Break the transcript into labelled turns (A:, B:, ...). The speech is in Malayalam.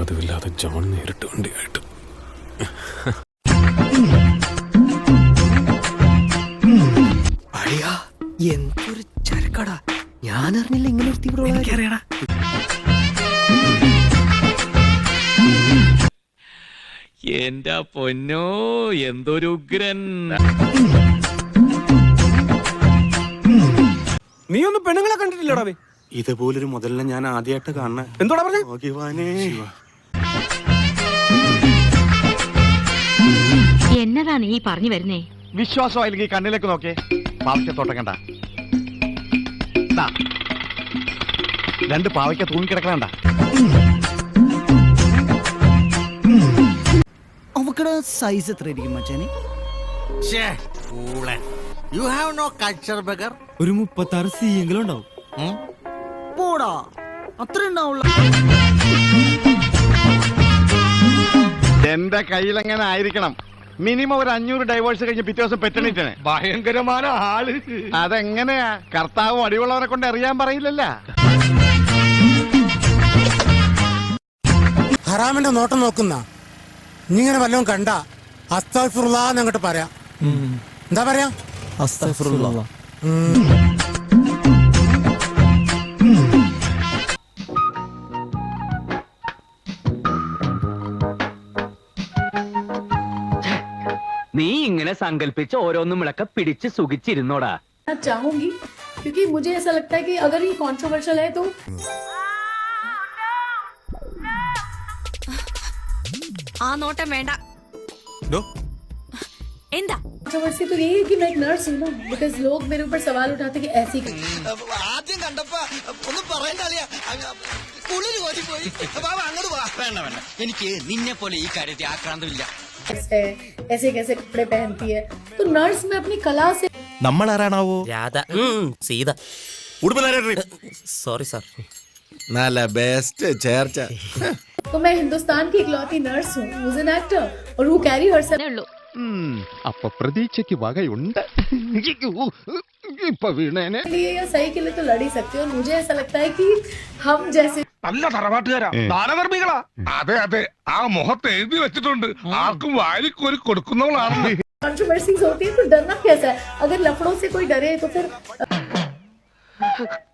A: പതിവില്ലാതെ ജോൺ നേരിട്ട് വണ്ടിയായിട്ട്.
B: എന്തൊരു ചരക്കടാ, ഞാൻ അറിഞ്ഞില്ല ഇങ്ങനെ ഒരു തീവ്രവാദിയാ.
C: എന്റെ പൊന്നോ, എന്തൊരു ഉഗ്രൻ.
D: നീ ഒന്നും പെണ്ണുങ്ങളെ കണ്ടിട്ടില്ലടാ?
A: ഇതുപോലൊരു മുതലിനെ ഞാൻ ആദ്യമായിട്ട് കാണണേ.
D: എന്തോടാ പറഞ്ഞേ?
E: എന്നതാണ് ഈ പറഞ്ഞു വരുന്നേ?
F: വിശ്വാസമായില്ലെങ്കിൽ കണ്ണിലേക്ക് നോക്കേ. പാവയ്ക്കത്തോട്ടം കണ്ട, രണ്ട് പാവയ്ക്ക തൂങ്ങിക്കിടക്കണ്ട.
B: അവക്കടെ സൈസ് എത്ര ആയിരിക്കും മച്ചാനെ?
G: You have no culture, beggar.
B: ഒരു 36 സി എങ്കിലും ഉണ്ടാവും. പോടാ, അത്ര ഉണ്ടാവുള്ള.
F: എന്റെ കയ്യിലെങ്ങനെ ആയിരിക്കണം? മിനിമം ഒരു 500 ഡൈവേഴ്സ് കഴിഞ്ഞ് പിറ്റേ ദിവസം പെറ്റണിട്ടാണ്.
D: ഭയങ്കരമായ ആള്.
F: അതെങ്ങനെയാ? കർത്താവ് അടിയുള്ളവരെ കൊണ്ട് അറിയാൻ പറയില്ലല്ല.
H: ഹറാമിന്റെ നോട്ടം നോക്കുന്ന ഇങ്ങനെ വല്ലതും കണ്ട അസ്തഗ്ഫിറുല്ലാഹ് അങ്ങോട്ട് പറയാം. എന്താ പറയാ?
B: അസ്തഗ്ഫിറുല്ലാഹ്.
C: നീ ഇങ്ങനെ സങ്കല്പിച്ച് ഓരോന്നും വിളക്ക പിടിച്ച് സുഖിച്ചിരുന്നോടാ.
I: चाहूंगी क्योंकि मुझे ऐसा लगता है कि अगर ये कंट्रोवर्शियल है तो
E: ആ നോട്ടം വേണ്ട. എന്താ
I: कंट्रोवर्सी तो यही है कि मैं एक नर्स हूँ ना, बिकॉज लोग मेरे ऊपर सवाल उठाते कि ऐसी
G: ആദ്യം കണ്ടപ്പോ ഒന്നും പറയണ്ടറിയാ, കുളിര് കോരിപ്പോയി. അങ്ങോട്ട് വേണ്ട, എനിക്ക് നിന്നെ പോലെ ഈ കാര്യത്തിൽ ആക്രാന്തമില്ല.
I: है, ऐसे कैसे कपड़े पहनती है, तो नर्स में अपनी कला से.
G: നമ്മൾ ആരാണാവോ?
B: രാധ, സീത. Sorry sir.
G: നല്ല ബെസ്റ്റ് ചേർച്ച.
I: तो मैं हिंदुस्तान की इकलौती नर्स हूँ, who's an actor और who carry herself.
E: ഉള്ളൂ.
F: അപ്പൊ പ്രതീക്ഷയ്ക്ക് വകയുണ്ട്. ഇപ്പൊ വീണേനെ
I: लिए या सही के लिए तो लड़ ही सकते हो, और मुझे ऐसा लगता है कि हम जैसे
D: നല്ല തറവാട്ടുകാരാ, ദാനധർമ്മികളാ. അതെ അതെ, ആ മുഖത്ത് എഴുതി വെച്ചിട്ടുണ്ട്, ആർക്കും വാരിക്കോരി കൊടുക്കുന്നവളാണ്.
I: कंट्रोवर्सीज होती है तो डरना कैसा है? अगर लफड़ों से कोई डरे तो फिर